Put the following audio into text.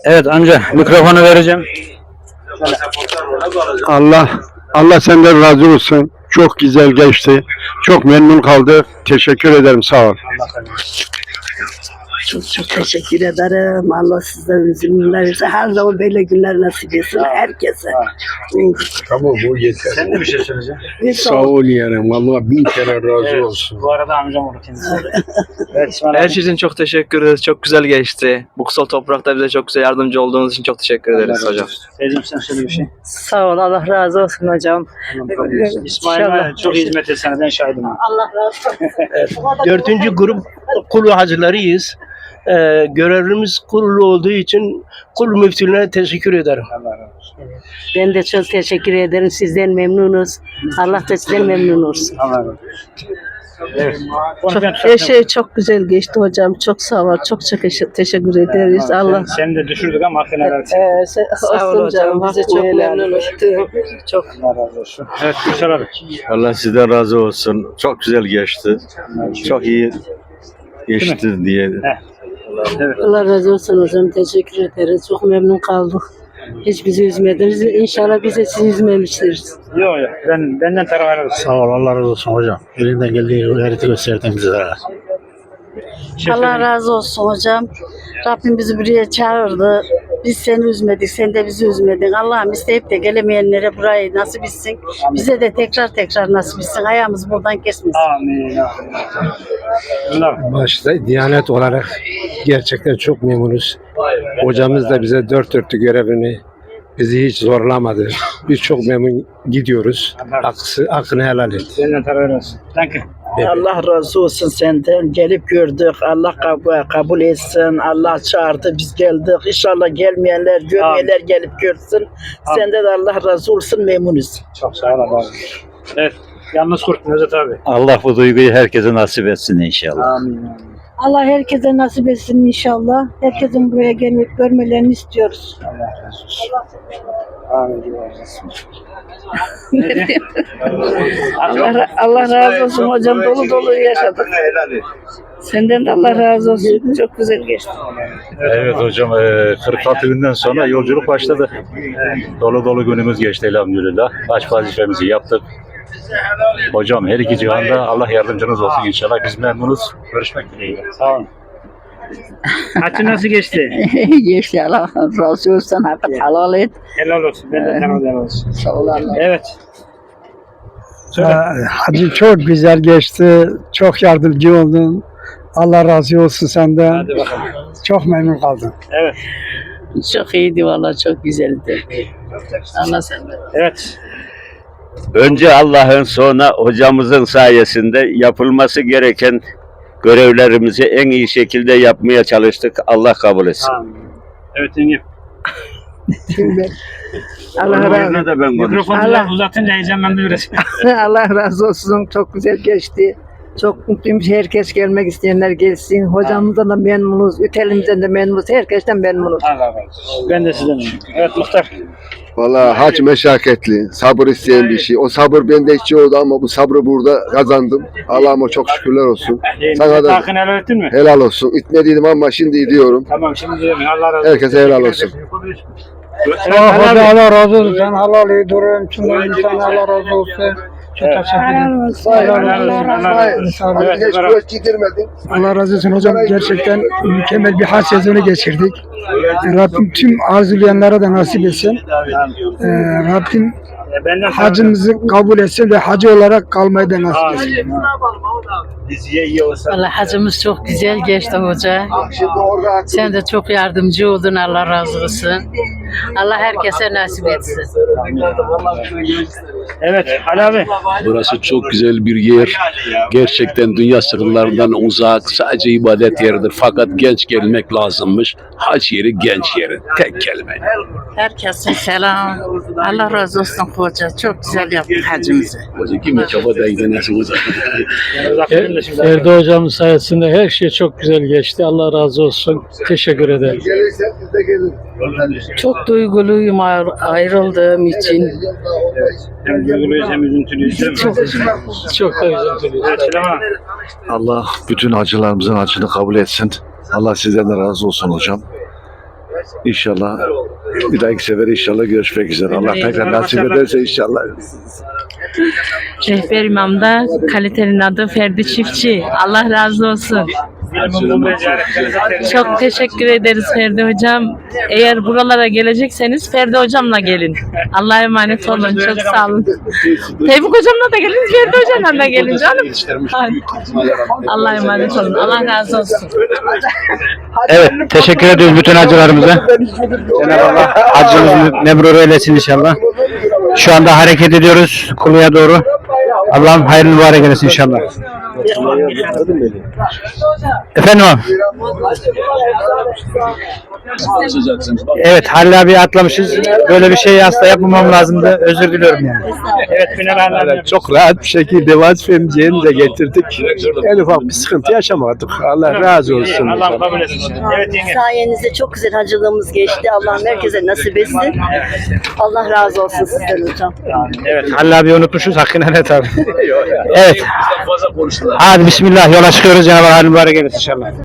Evet amca mikrofonu vereceğim. Allah senden razı olsun. Çok güzel geçti. Çok memnun kaldık. Teşekkür ederim. Sağ ol. Çok teşekkür ederim. Allah sizden üzümler versin. Her zaman böyle günler nasip etsin herkese. Tamam bu yeter. Sen de bir şey söyleyeceksin. Sağ ol yeğenim. Allah bin kere razı olsun. Bu arada amcam olur kendisi. Evet İsmail Her abi. şey için çok teşekkür ederiz. Çok güzel geçti. Bu kutsal toprakta bize çok güzel yardımcı olduğunuz için çok teşekkür ederiz hocam. Teyzem sen söyle bir şey. Sağ ol, Allah razı olsun hocam. İsmail abi çok hizmet etsene ben şahidim. Allah razı olsun. 4. grup kul hacılarıyız. Görevimiz kurulu olduğu için kul müftülüğüne teşekkür ederim. Ben de çok teşekkür ederim. Sizden memnunuz. Allah da sizden memnun olsun. Evet. Her şey çok güzel geçti hocam. Çok sağ ol. Çok teşekkür ederiz. Allah Seni de düşürdük ama hakkını helal et. sağ ol hocam. Bizi çok memnun ettin. Çok Allah razı olsun. Evet Gülşen abi. Allah sizden razı olsun. Çok güzel geçti. Çok iyi geçti diye. Evet. Allah razı olsun hocam. Teşekkür ederiz. Çok memnun kaldık. Hiç bizi üzmediniz. İnşallah biz de sizi üzmemiştiriz. Yok yok. Benden taraf helal olsun. Sağ ol, Allah razı olsun hocam. Elinden geldiği gayreti gösterdin bize. Allah razı olsun hocam. Rabbim bizi buraya çağırdı. Biz seni üzmedik, sen de bizi üzmedin. Allah'ım isteyip de gelemeyenlere burayı nasip etsin. Bize de tekrar nasip etsin. Ayağımız buradan kesmesin. Amin. Bunlar. Başta Diyanet olarak gerçekten çok memnunuz. Hocamız da bize dört dörtlük görevini bizi hiç zorlamadı. Biz çok memnun gidiyoruz. Hakkını helal et. Benden taraf helal olsun. Thank you. Allah razı olsun senden. Gelip gördük. Allah kabul etsin. Allah çağırdı. Biz geldik. İnşallah gelmeyenler, görmeyenler gelip görsün. Senden de Allah razı olsun. Memnunuz. Çok sağ ol abi. Evet. Yalnız kurt Nevzat abi. Allah bu duyguyu herkese nasip etsin inşallah. Amin. Allah herkese nasip etsin inşallah. Herkesin buraya gelip görmelerini istiyoruz. Allah razı olsun. Amin. Allah razı olsun hocam. Dolu yaşadık. Senden de Allah razı olsun. Çok güzel geçti. Evet hocam 46 günden sonra yolculuk başladı. Dolu günümüz geçti elhamdülillah. Baş vazifemizi yaptık. Hocam her iki cihanda Allah yardımcınız olsun inşallah. Biz memnunuz. Görüşmek dileğiyle. Sağ olun. Haccın nasıl geçti? Geçti. Allah razı olsun. Hakkı helal et. Helal olsun. Benden taraf helal olsun. Sağ ol Allah. Evet. Hacı çok güzel geçti. Çok yardımcı oldun. Allah razı olsun senden. Hadi bakalım. Çok memnun kaldım. Evet. Çok iyiydi valla. Çok güzeldi. Allah senden. Evet. Önce Allah'ın sonra hocamızın sayesinde yapılması gereken görevlerimizi en iyi şekilde yapmaya çalıştık. Allah kabul etsin. Amin. Evet Engin. Allah razı olsun. da ben Mikrofonu Allah. uzatınca heyecanlandı biraz. Allah razı olsun. Çok güzel geçti. Çok mutluyum. Herkes gelmek isteyenler gelsin. Hocamızdan da memnunuz. Ütelimizden de memnunuz. Herkesten memnunuz. Allah razı olsun. Ben de sizden memnunum. Evet Muhtar. Vallahi hac meşakkatli, sabır isteyen bir şey. O sabır bende hiç yoktu ama bu sabrı burada kazandım. Allah'ıma çok şükürler olsun. Sana da Hakkını helal ettin mi? helal olsun. İtmediydim ama şimdi diyorum. Tamam şimdi diyorum. Allah razı olsun. Herkese helal olsun. Evet, Ali abi. Allah razı olsun. Sen halal durum. Tüm insana Allah razı olsun. Çok teşekkür ederim. Evet, Hiç Ömer abi. boş gidirmedin. Allah razı olsun hocam. Gerçekten mükemmel bir hac sezonu geçirdik. Rabbim tüm arzulayanlara da nasip etsin. Rabbim Benden hacımızı kabul etsin ve hacı olarak kalmayı da nasip etsin. Diziye iyi olsa. Valla hacımız çok güzel geçti hoca. Şimdi orada Sen de çok yardımcı oldun. Allah razı olsun. Allah herkese nasip etsin. Evet Ali abi. Burası çok güzel bir yer. Gerçekten dünya sıkıntılarından uzak. Sadece ibadet yeridir. Fakat genç gelmek lazımmış. Hac yeri genç yeri. Tek kelime. Herkese selam. Allah razı olsun hoca. Çok güzel yaptık hacımızı. Hoca kimi çaba değdi nasıl uzak. Erdo hocamın sayesinde her şey çok güzel geçti. Allah razı olsun. Teşekkür ederim. gelirsen biz de geliriz. Çok duyguluyum ayrıldığım için. Hem duyguluyuz hem üzüntülüyüz değil mi? Çok da üzüntülüyüz. Evet Süleyman. Allah bütün hacılarımızın hacını kabul etsin. Allah sizden de razı olsun hocam. İnşallah bir dahaki sefer inşallah görüşmek üzere. Allah tekrar nasip ederse inşallah. Rehber imamda kalitenin adı Ferdi Çiftçi. Allah razı olsun. Çok teşekkür ederiz Ferdi Hocam. Eğer buralara gelecekseniz Ferdi Hocam'la gelin. Allah'a emanet olun. Çok sağ olun. Tevfik Hocam'la da gelin, Ferdi Hocam'la da gelin canım. Hadi. Allah'a emanet olun. Allah razı olsun. Evet, teşekkür ediyoruz bütün hacılarımıza. Cenab-ı Allah hacımızı mebrur eylesin inşallah. Şu anda hareket ediyoruz Kulu'ya doğru. Allah'ım hayırlı mübarek eylesin inşallah. Efendim abi. Evet, Halil abi atlamışız. Böyle bir şey asla yapmamam lazımdı. Özür diliyorum yani. Evet, Çok rahat bir şekilde vazifemizi yerine getirdik. En ufak bir sıkıntı yaşamadık. Allah razı olsun. Allah kabul etsin. Evet yenge. Sayenizde çok güzel hacılığımız geçti. Allah'ım herkese nasip etsin. Allah razı olsun sizden hocam. Evet, Halil abi unutmuşuz. Hakkını helal et abi. Evet. Hadi bismillah yola çıkıyoruz. Cenab-ı Allah mübarek eylesin inşallah.